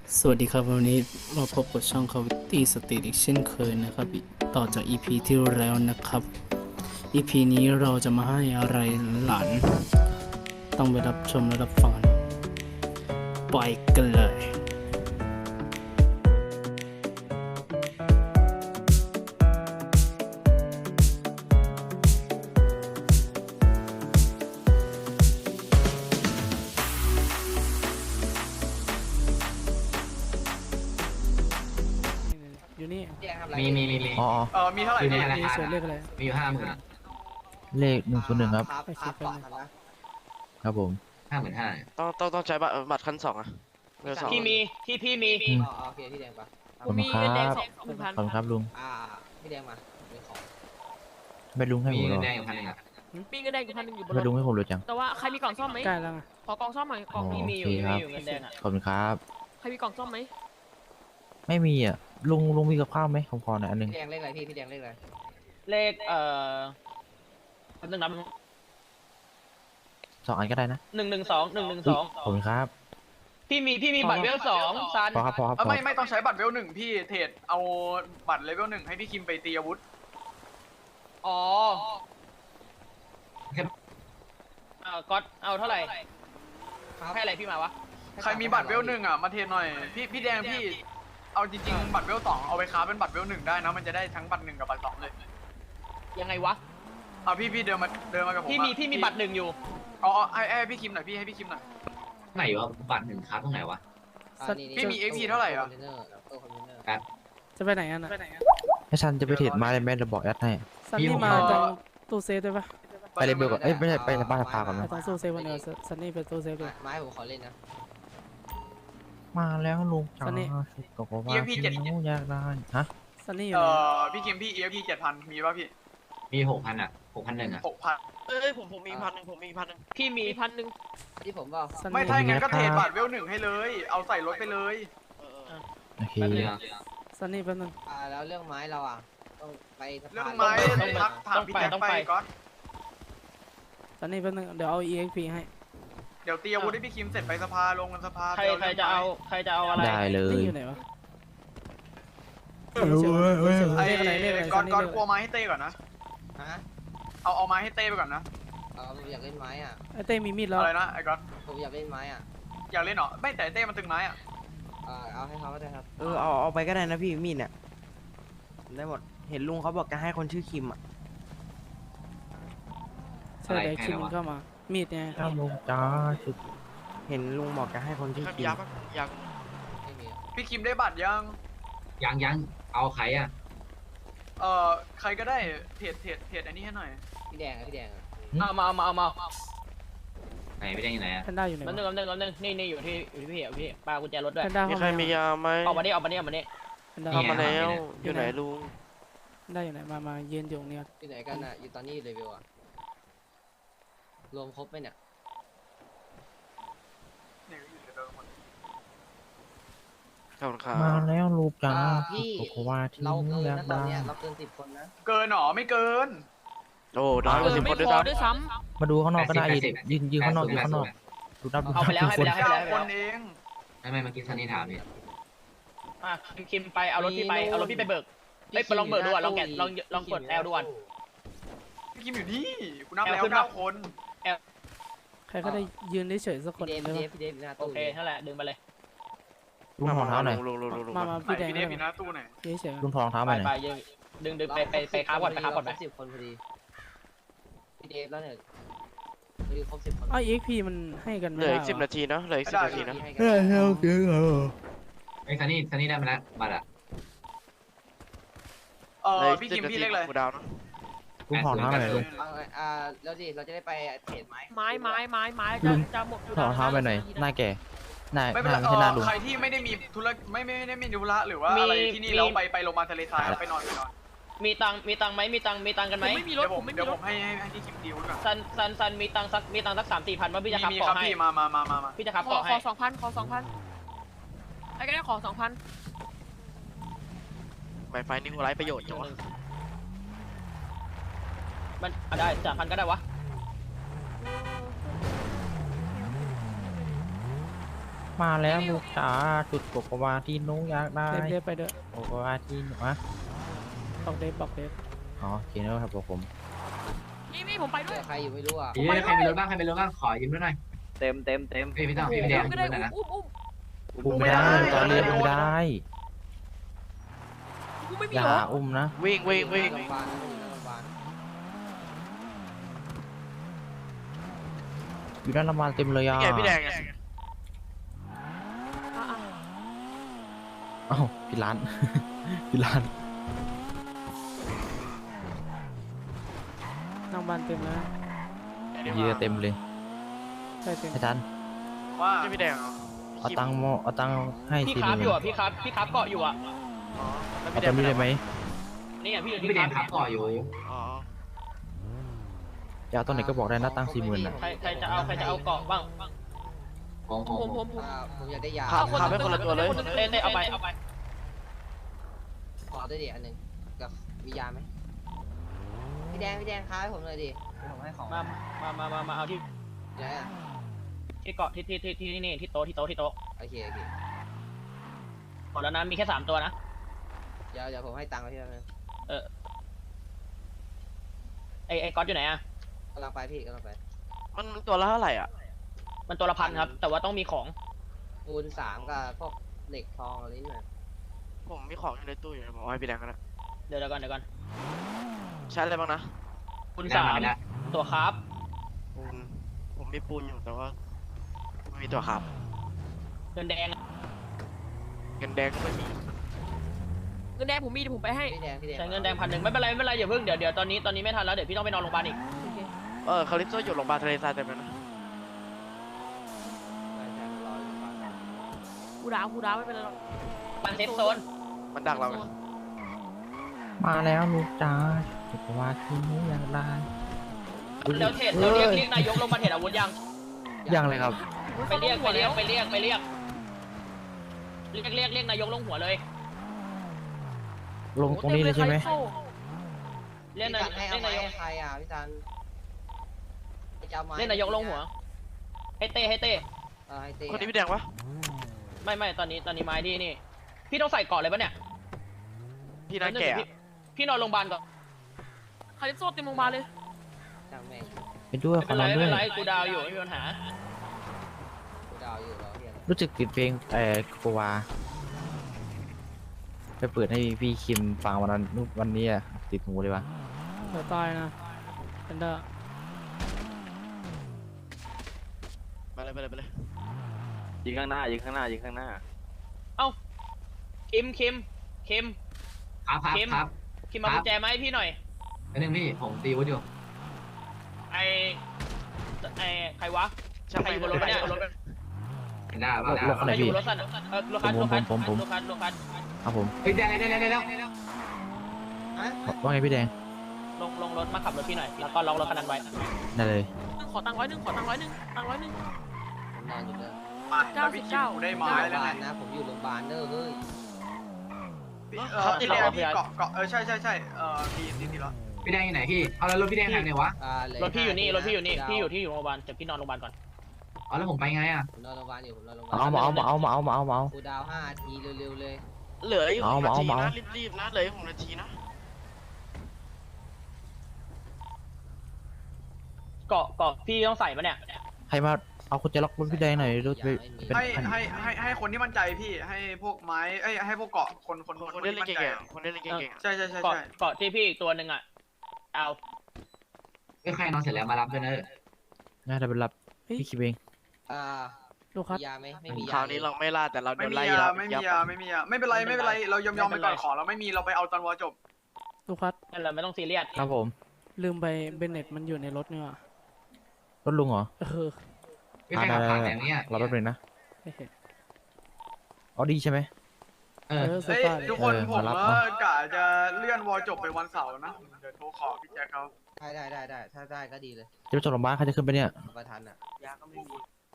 สวัสดีครับวันนี้มาพบกับช่อง Cavity Street อีกเช่นเคยนะครับต่อจาก EP ที่แล้วนะครับ EP นี้เราจะมาให้อะไรหลานต้องไปรับชมและรับฟังไปกันเลยอยู่นี่มีอ๋อมีเท่าไหร่อยู่ในพี่ธนามีคารส่วนเลขอะไรมีอยู่50,000 เลข101ครับไปคิดกันเลยครับผม 55,000 ต้องใช้บัตรขั้น2อ่ะเบอร์สองพี่มีพี่มีอืมโอเคพี่แดงปะขอบคุณครับ 20,000 ขอบคุณครับลุงพี่แดงมาเป็นของไม่ลุงให้มีผมหรเงิอนแดงอยู่1,000อ่ะมีเงินแดงอยู่1,000อยู่บนรไม่ถลุงให้ผมเลยจังแต่ว่าใครมีกล่องซ่อมไหมใกล้แล้วไงขอกล่องซ่อมหน่อยกล่องอ๋อพี่มีอยู่โอเคครับเงินแดงอ่ะขอบคุณครับใครมีกล่องซ่อมไหมไม่มีอ่ะลุงมีกับข้าวไหมผมขอหน่อยอันหนึงพี่แดงเลขอะไรพี่แดงเลขอะไรเลขแป๊บนึงนะ 2 อันก็ได้นะ 112 ขอบคุณครับพี่มีบัตรเวล2ซันพอครับพอครับพอไม่ต้องใช้บัตรเวลหนึ่งพี่เทรดเอาบัตรเลเวลหนึ่งให้พี่คิมไปตีอาวุธอ๋อก๊อตเอาเท่าไหร่ให้อะไรพี่มาวะใครมีบัตรเวลหนึ่งมาเทรดหน่อยพี่แดงพี่เอาจริงๆบัตรเวลสองเอาไปค้าเป็นบัตรเวลหนึ่งได้นะมันจะได้ทั้งบัตรหนึ่งกับบัตรสองเลยยังไงวะพี่เดินมากับผมพี่มีบัตร1อยู่ให้พี่คิมหน่อยพี่ให้พี่คิมหน่อยไหนวะบัตร1ครับตรงไหนวะพี่มี XP เท่าไหร่อ่ะจะไปไหนกันนะให้ฉันจะไปเทรดไม้เลยแม่จะบอกแอดให้ซันนี่มาตรงตู้เซฟด้วยปะไปเลยเบลก่อนเอ้ยไม่ใช่ไปบ้านพาก่อนไปนะตรงตู้เซฟวันเดียวซันนี่ไปตู้เซฟด้วยไม้ผมขอเล่นนะมาแล้วลุงจ้าซันนี่ก็บอกว่าพี่น้องอยากได้ฮะซันนี่อยู่ไหนพี่คิมพี่ EFP 7,000มีป่ะพี่มี 6,000 อ่ะ 6,100 อ่ะ 6,000 เอ้ยผมมี1,000 พี่มี1,000 ที่ผมบอกซันไม่นี่ถ้าอย่างนั้นก็เทรดบัตรเวลหนึ่งให้เลย เอาใส่รถไปเลยโอเคแบบนี้อะซันนี่แป๊บนึงแล้วเรื่องไม้เราต้องไปเรื่องไม้ไม้ถามพี่แจ็คไปก่อนซันนี่แป๊บนึงเดี๋ยวเอา EXP ให้เดี๋ยวตีอาวุธให้พี่คิมเสร็จไปสภาลงกันสภาใครจะเอาอะไรได้เลนี่ยอยู่ไหนวะไอ้เลขอะไรเลขอะไรก่อนซันนี่กลัวไม้ให้เต้ก่อนนะเอาไม้ให้เต้ไปก่อนนะผมอยากเล่นไม้อ่ะไอเต้มีมีดแล้วอะไรนะไอ้ก่อนผมอยากเล่นไม้อ่ะอยากเล่นเหรอไม่แต่เต้มันตึงไม้อ่ะเอาให้เขาก็ได้ครับเอาไปก็ได้นะพี่มีดเนี่ยได้หมดเห็นลุงเขาบอกจะให้คนชื่อคิมอ่ะใช่เดี๋ยวคิมเข้ามามีดไงถ้าลุงจ้าสุดเห็นลุงบอกจะให้คนชื่อคิมไม่มีพี่คิมได้บัตรยังยังเอาใครอ่ะใครก็ได้เทรดอันนี้ให้หน่อยพี่แดงอ่ะพี่แดงอ่ะเอามาไหนไม่ได้อยู่ไหนอ่ะแพนด้าอยู่ไหนแป๊บนึงวะนี่อยู่ที่พี่ปากุญแจรถด้วยแพนด้ามีเข้าใครมามียาไหมออกมานี่แพนด้าเข้ามาแล้วอยู่ไหนลุงแพนด้าอยู่ไหนมายืนอยู่เนี่ยอยู่ไหนกันอ่ะอยู่ตอนนี้เลเวลอ่ะรวมครบไหมเนี่ยเนี่ยอยู่ในเดิมหมดขอบคุณครับมาแล้วลูกจ้าพี่ก็ว่าที่เราเกินอยากนะตอนได้เนี้ยเราเกิน10 คนนะเกินหรอไม่เกินโอ้น้อยกว่า10 คนด้วยซ้ด้วยซ้มาดูข้างนอกก็ได้ยืนข้างนอกยืนข้างนอกดูนับดูเอาไปแล้วคนให้ไปแล้วคนเองไม่เมื่อกี้ซันนี่ถามนี่ำคิมไปเอารถพี่ไปเบิกไปลองเบิกดูอ่ะลองกดแอลดูอ่ะพี่คิมอยู่นี่กูนับแล้วขึ้นมา 9 คนใครก็ได้ยืนเฉยๆสักคนพี่เดได้ฟปะพี่เดฟหน้าโอตู้เคนั่นแหละดึงไปเลยลุงถอดรองเท้าหน่อยลุงมาไหนพี่แดงพี่ก็เดได้ฟอยู่หน้าตู้ไหนเฉยลุงถอดรองเท้าไปหน่อยไปดึงไปค้าก่อนไป 10 คนพอดีพี่เดฟแล้วเนี่ยพอดีครบ10 คนๆอ้าว EXP มันให้กันเหไม่ลือได้อีก10 นาทีนะเหลืออีก10 นาทีนะให้กันไอ้ซันนี่ได้มาแล้วบัตรอ่ะเหลืออีกพี่ 10 คิมนาทีพี่เล็กเลยกูดาวนะลุงถอดรองเท้าไปหน่อยลุงแล้วดิเราจะได้ไปเทรดไม้ไม้จะหมดถอดรองเท้าไปหน่อยหน้าแก่หน้าไม่หเป็นไรน้าไม่ใช่หน้าลุงใครที่ไม่ได้มีธุระไม่ได้มีธุระหรือว่าอะไรที่นี่แล้วไปโรงพยาบาลทะเลทรายไปนอนมีตังไหมมีตังกันไหมเดี๋ยวผมให้พี่คิมดีลก่อนซันมีตังสัก3-4 พันว่าพี่จะขับมีเกาะครับให้พี่มาพี่จะขับขอเกาะให้ 2,000ไอ้ก็ได้ขอ 2,000 ไฟนี่กูไร้ประโยชน์จังวะมันได้3,000ก็ได้วะมาแล้วลูกจ๋าจุดโกโกวาที่หนุอยากได้เดฟไปเด้อโกโกวาที่หนูอะบอกเดฟอ๋อโอเคนะครับผมมีผมไปด้วยใครอยู่ไม่รู้อ่ะเฮ้ยใครมีรถบ้างใครมีรถบ้างขอยืมด้วยหน่อยเต็มเต็มเอ้ยพี่ต้องพี่แดงยืมด้วยหน่อยนะอุ้มไม่ได้ตอนเรียนอุ้มไม่ได้อย่าอุ้มนะวิ่งโรงพยาบาลนะอยู่โรงพยาบาลอยู่ด้านละมานเต็มเลยอ่ะนี่ไงพี่แดงไงเอ้าพี่ร้าน พี่ร้านนั่งบ้านเต็มแล้วเยอะเต็มเลยใช่เต็มอาจารย์ว่าใช่พี่แดงเหรอเอาตังค์เอาตังค์ให้พี่ทีคราฟนึอง ยู่อ่ะพี่คราฟเกาะอยู่อ่ะอ๋อแล้วเอาพี่แดตังงค์นี้ได้ไหมนี่ไงพี่อยู่พี่ที่แดคราง ฟขับต่ออยู่อ๋อจะเอาตอนไหนก็บอกได้นะตังค์40,000อ่ะใครจะเอาเกาะบ้างผมอยากได้ยาขับให้คนละตัวเลยเต้เอาไปขอด้วยดิอันหนึ่งกับมียาไหมพี่แดงค้าให้ผมเลยดิผมให้ของมาเอาที่เดี๋ยวนะที่เกาะที่นี่ที่โต๊ะโอเคหมดแล้วนะมีแค่3ตัวนะเดี๋ยวผมให้ตังค์พี่แป๊บนึงไอ้ก๊อตอยู่ไหนอ่ะกำลังไปพี่กำลังไปมันตัวละเท่าไหร่อ่ะมันตัวละ1,000ครับแต่ว่าต้องมีของปูน3กับพวกเหล็กทองอะไรนี่หน่อยผมมีของอยู่ในตู้อยู่นะผมเอาให้พี่แดงกันนะเดี๋ยวก่อนใช้อะไรบ้างนะคุณได้มาแล้ว 3ตัวครับปูนผมมีปูนอยู่แต่ว่าไม่มีตัวขับเงินแดงเงินแดงก็ไม่มีเงินแดงผมมีเดี๋ยวผมไปให้พี่แดงใช้เงินแดง1,000ไม่เป็นไรอย่าเพิ่งเดี๋ยวตอนนี้ไม่ทันแล้วเดี๋ยวพี่ต้องไปนอนโรงพยาบาลอีกคาริปโซอยู่โรงพยาบาลทะเลทรายเต็มเลยนะใช่รออยู่ก่อนกูดาวไม่เป็นไรหรอกมันเซฟโซนมันดักเราไงมาแล้วลูกจ๋าโกโกวาที่หนูอยากได้เดี๋ยวเรียกนายกลงมาเทรดอาวุธยังยังเลยครับไปเรียกนายกลงหัวเลยลงตรงนี้เลยใช่ไหมเรียกนายกให้ใครอ่ะพี่ซันเรียกนายกลงหัวให้เต้ให้เต้คนนี้พี่แดงปะไม่ตอนนี้ไม้ที่นี่พี่ต้องใส่เกาะเลยปะเนี่ยพี่น่าแก่อะพี่นอนโรงพยาบาลก่อนคาริปโซเต็มโรงพยาบาลเลยจังแม่งไปด้วยขไม่อเป็นนไรอนไม่ด้เป็วน ยไรกูดาวอยู่ไม่มีปัญหากูดาวอยู่รอเพียงรู้สึกติดเพลงโกโกวาไปเปิดให้พี่คิมฟังวันนี้อะติดหูเลยวะเดี๋ยวตายนะเอนเดอร์ไปเลยยิงข้างหน้าเอ้าคิมครับครับมากุญแจมาให้พี่หน่อยอันนึงพี่ผมตีวุฒิอยู่ไอใครวะช่างใครไม่อยู่บนรถปะเนี่ยบนรถได้รถอะไรใครอยู่พี่บนรถสั่นรถคันผม ครับผมเฮ้ยได้ว่าไงพี่แดงลงรถมาขับรถพี่หน่อยแล้วก็ล็อกรถคันนั้นไว้ได้เลยขอตังค์100ตังค์100 ผมนอนอยู่เด้อแล้วพี่คิมกูได้ไม้โรงพแล้วยาบาไงลนะผมอยู่โรงพยาบาลเด้อเฮ้ยพี่แดงพี่เกาะใช่พี่แล้วพี่แดงอยู่ไหนพี่เอาแล้วรถพี่แดงทางไหนวะรถพี่อยู่นี่พี่อยู่โรงพยาบาลแต่พี่นอนโรงพยาบาลก่อนอ๋อแล้วผมไปไงอ่ะผมนอนโรงพยาบาลอยู่ผมนอนโรงพยาบาลเอากูดาว5 นาทีเร็วๆเลยเหลืออยู่เอา 6 นาทีเอานะรีบๆนะเหลืออยู่6 นาทีนะเกาะพี่ต้องใส่ปะเนี่ยใครมาเอาคุณจะล็อกรถพี่แดงหน่อยรถเป็นให้คนที่มั่นใจพี่ให้พวกไม้ให้พวกเกาะคนคนเล่นเก่งๆคนเล่นเก่งๆอะใช่เกาะที่พี่อีกตัวหนึ่งอ่ะเอาก็ใครนอนเสร็จแล้วมารับด้วยนะน่าจะเป็นรับพี่คิมเองลูกครับมียาไหมไม่มีคราวนี้เราไม่ล่าแต่เราโดไม่นมีไล่ยาแล้วไม่เป็นไรเรายอมไปก่อนของเราไม่มีเราไปเอาตอนวอจบลูกครับนั่นแหละไม่ต้องซีเรียสครับผมลืมไปเบนเน็ตมันอยู่ในรถนี่ว่ะรถลุงเหรอไม่ใครขับผ่านแบบนี้รอแป๊บนึงนะไม่เห็นออดี้ใช่ไหมเออเสื้อเฮ้ยผ้าทุกคนผมมารับว่ากะจะเลื่อนวอจบไปวันเสาร์นะเดี๋ยวโทรขอพี่แจ็คเขาได้ถ้าได้ก็ดีเลยจะไปส่งโรงพยาบาลใครจะขึ้นไปเนี่ยประทันอ่ะยาก็ไม่มี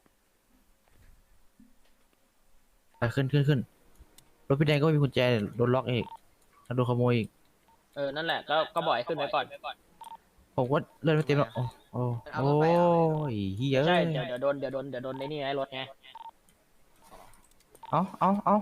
ไปขึ้นรถพี่แดงก็ไม่มีกุญแจโดนล็อกอีกแล้วโดนขโมยอีกนั่นแหละก็บ่อยขึ้นไว้ก่อนผมว่าเลื่อนไม่เต็มแล้วโอ้ยเฮ้ยใช่เดี๋ยวโดนในนี่ไงรถไงอเอา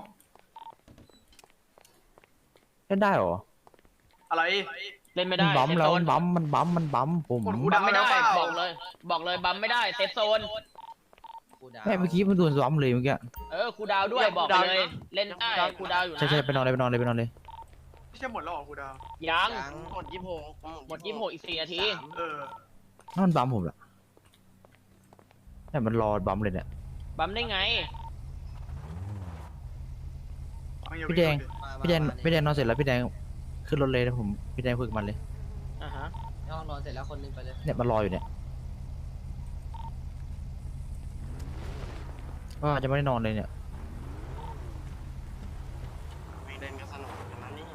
เล่นได้เหรออะไรเล่นไม่มัได้นบัมเซฟแล้วโซมัน นบัมมันบัมผมกดกูบัมไม่ได้เปล่าบอกเลยบัมไม่ได้เซฟโซนครูดาวแม่เมื่อกี้มันโดนซ้อมเลยเมื่อกี้ครูดาวด้วยบอกเลย เล่นได้ครูดาวอยู่นะใช่ไปนอนเลยไม่ใช่หมดแล้วเหรอครูดาวยังหมด26 หมด26อีก4 นาทีถ้ามันบัมผมล่ะเนี่ยมันรอบัมเลยเนี่ยบัมได้ไงพี่แดงมาพี่แดงมาพี่แดงนอนเสร็จแล้วพี่แดงขึ้นรถเลยนะผมพี่แดงคุยกับมันเลยอ่าฮะในห้องนอนเสร็จแล้วคนนึงไปเลยเนี่ยมันรออยู่เนี่ยก็จะไม่ได้นอนเลยเนี่ยไม่เล่นก็สนุกกันนะเนี่ย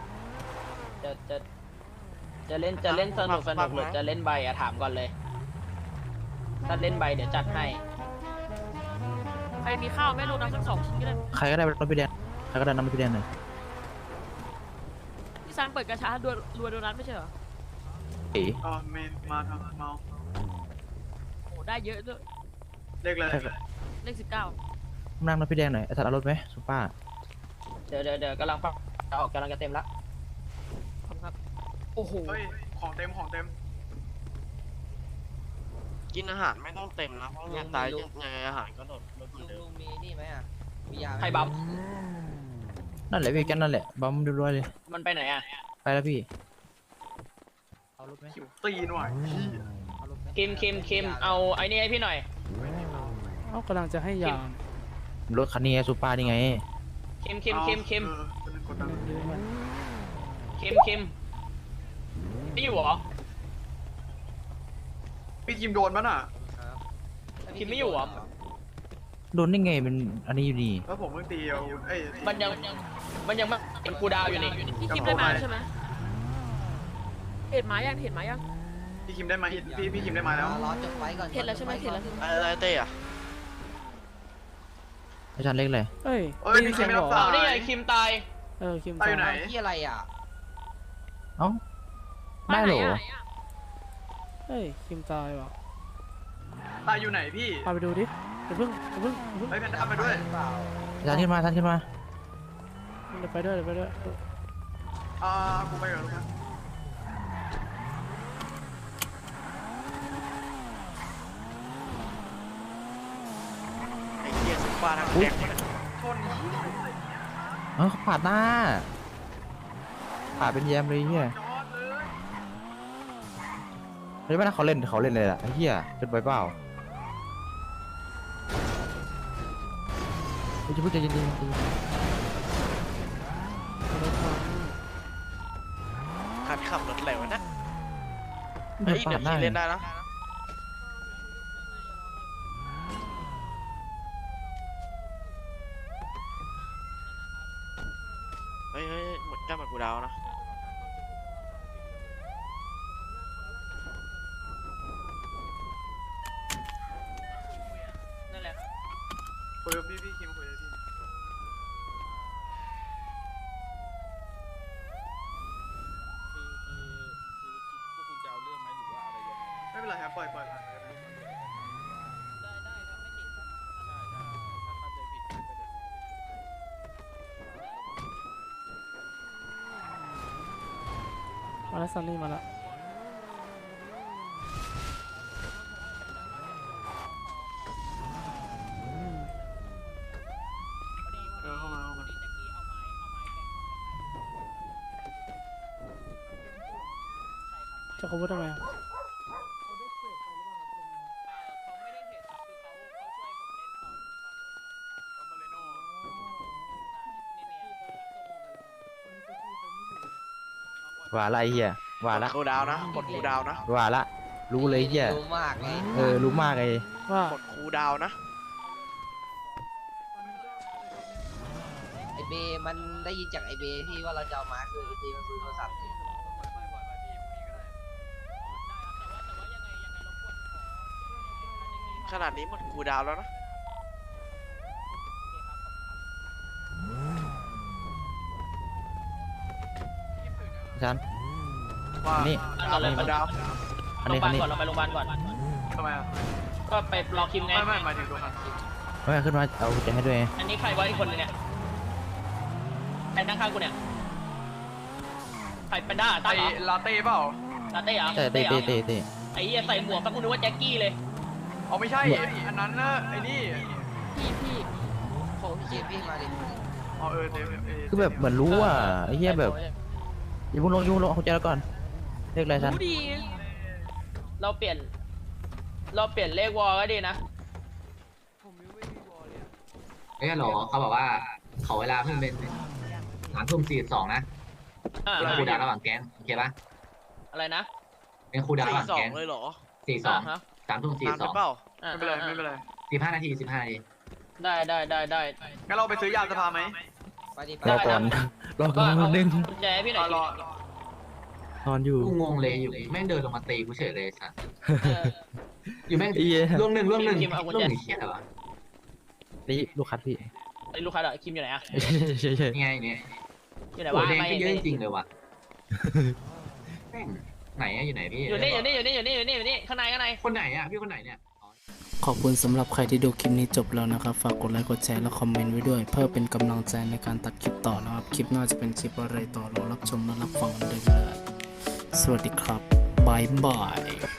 จะเล่นสนุกหรือจะเล่นใบอะถามก่อนเลย ถ้าเล่นใบเดี๋ยวจัดให้ใครมีข้าวไม่รู้นะสัก2 ชิ้นก็ได้ใครก็ได้รถพี่แดงใครก็ได้นำพี่แดงหน่อยพี่ซันเปิดกระชารัวโดนัทไม่ใช่เหรอเอ๋อ๋อเมนมาทำเมาโอ้ได้เยอะด้วยเลขเลยเลขนั่งรถพี่แดงหน่อยไอ้สัตว์เอารถไหมซุปเปอร์เดี๋ยวกำลังออกกำลังจะเต็มละ 19ขอบคุณครับโอ้โหเฮ้ยของเต็มกินอาหารไม่ต้องเต็มนะเพราะยังตายยังไงอาหารก็ลดเหมือนเดิมลุงมีนี่ไหมอ่ะมียาไหมใครบัมนั่นแหละพี่แกนั่นแหละบัมเรียบร้อยเลยมันไปไหนอะไปแล้วพี่เอารถไหมหิวตีนว่ะพี่เอารถไหมคิมเอาไอ้นี่ให้พี่หน่อยเอากำลังจะให้ยามรถคันนี้ไงซุปเปอร์นี่ไงคิมเป็นกดดันคิมไม่อยู่เหรอพี่คิมโดนมั้ยน่ะคิมไม่อยู่เหรอโดนได้ไงมันอันนี้อยู่นี่แล้วผมเพิ่งตีเอาเอ้ยมันยังไม่เป็นครูดาวอยู่นี่พี่คิมได้มาใช่ไหมเห็นหมายังพี่คิมได้มาพี่คิมได้มาแล้วรอจบไว้ก่อนเห็นแล้วใช่ไหมเห็นแล้วอะไรเต้อะอาจารย์เล็กเลยเอ้ยเอ้ยพี่คิมไม่รับสาเอายนี่ไงคิมตายคิมตายอยู่ไหนที่อะไรอ่ะเอ้าได้เหรอเฮ้ยคิมตายว่ะตายอยู่ไหนพี่พาไปดูดิเดี๋ยวเพิ่งเฮ้ยแพนด้ามาด้วยเปล่าอาจารย์ขึ้นมาเดี๋ยวไปด้วยกูไปก่อนลูกนะไอ้เหี้ยซุปเปอร์ทั้งแดงชนเออเขาปาดหน้าปาดเป็นแยมเลยเฮียจอดเลยเฮ้ยไม่น่าเขาเล่นเลยล่ะไอ้เฮียเป็นไปเปล่าเฮ้ยจะพูดใจเย็นขัดขับรถอะไรวะนะๆเฮ้ยปาเดี๋ยดวหน้าพี่เล่นได้นะเฮ้ยหมดจ้าหมดกูดาวนะนั่นแหละคุยกับพี่คิมคุยกับพี่ไม่เป็นไรครับปล่อยผ่านไปก็ได้มาแล้วซันนี่มาแล้วเข้ามาจะเขาพูดทำไมอะว่าละไอ้เฮียว่าละกูดาวนะกดกูดาวนะว่าละรู้เลยเฮียรู้มากไงรู้มากไอ้ว่ากดกูดาวนะไอเบมันได้ยินจากไอเบพี่ว่าเราจะเอามาคือไอเบมันซื้อโทรศัพท์ขนาดนี้หมดกูดาวแล้วนะอาจารย์ว่านี่เราเลยกูดาวโรงพยาบาลก่อนเราไปโรงพยาบาลก่อนทำไมอ่ะก็ไปรอคิมไงไม่หมายถึงตัวคันไม่ขึ้นมาเอากุญแจให้ด้วยไงอันนี้ใครวะอีกคนนึงเนี่ยใครนั่งข้างกูเนี่ยใครเป็นด้าไอตั้งเหรอลาเต้เปล่าลาเต้เหรอแต่เตะหรอเตะไอ้เหี้ยใส่หมวกสักกูนึกว่าแจ็คกี้เลยเอาไม่ใช่อันนั้นนะไอ้นี่พี่ของพี่เจพี่มาดิอ๋อเออเต้คือแบบเหมือนรู้อ่ะไอ้เหี้ยแบบอย่าเพุ่งลงเอากุญแจแล้วก่อนเลขอะไรทันรู้ดีเราเปลี่ยนเลขวอลก็ดีนะเอ้ยฮัลโหลเขาบอกว่าเขาเวลาเพิ่งเป็น3:42นะอ่าเป็นครูดาวระหว่างแก๊งโอเคปะอะไรนะเป็นครูดาวระหว่างสอแก๊งงเลยเหรออ่าฮะนานไป 3:42 เปล่าอ่าไม่เป็นไรไม่เป็นไร 15 นาที 15 นาทีได้งั้นเราไปซื้อยาสภาไหมไปดิไปรอก่อนรอก่อนเอานึงกุญแจให้พี่หน่อยรอนอนอยู่กูงงเลยอยู่แม่งเดินลงมาตีกูเฉยเลยสัสเอออยู่แม่งไอ้เหี้ยร่วงหนึ่งคิมเอากุญแจเหี้ยเหรอนี่ลูกคัดพี่ไอ้ลูกค้าเหรอคิมอยู่ไหนอะเฉยนี่ไงเนี่ยอยู่ไหนหัววะแดงไม่ก็เยอะจริงๆเลยว่ะแม่งไหนอะอยู่ไหนพี่อยู่นี่ข้างในคนไหนอะพี่คนไหนเนี่ยขอบคุณสำหรับใครที่ดูคลิปนี้จบแล้วนะครับ ฝากกดไลค์กดแชร์และคอมเมนต์ไว้ด้วย เพื่อเป็นกำลังใจในการตัดคลิปต่อนะครับ คลิปหน้าจะเป็นคลิปอะไรต่อรอรับชมและรับฟังกันได้เลย สวัสดีครับบายบาย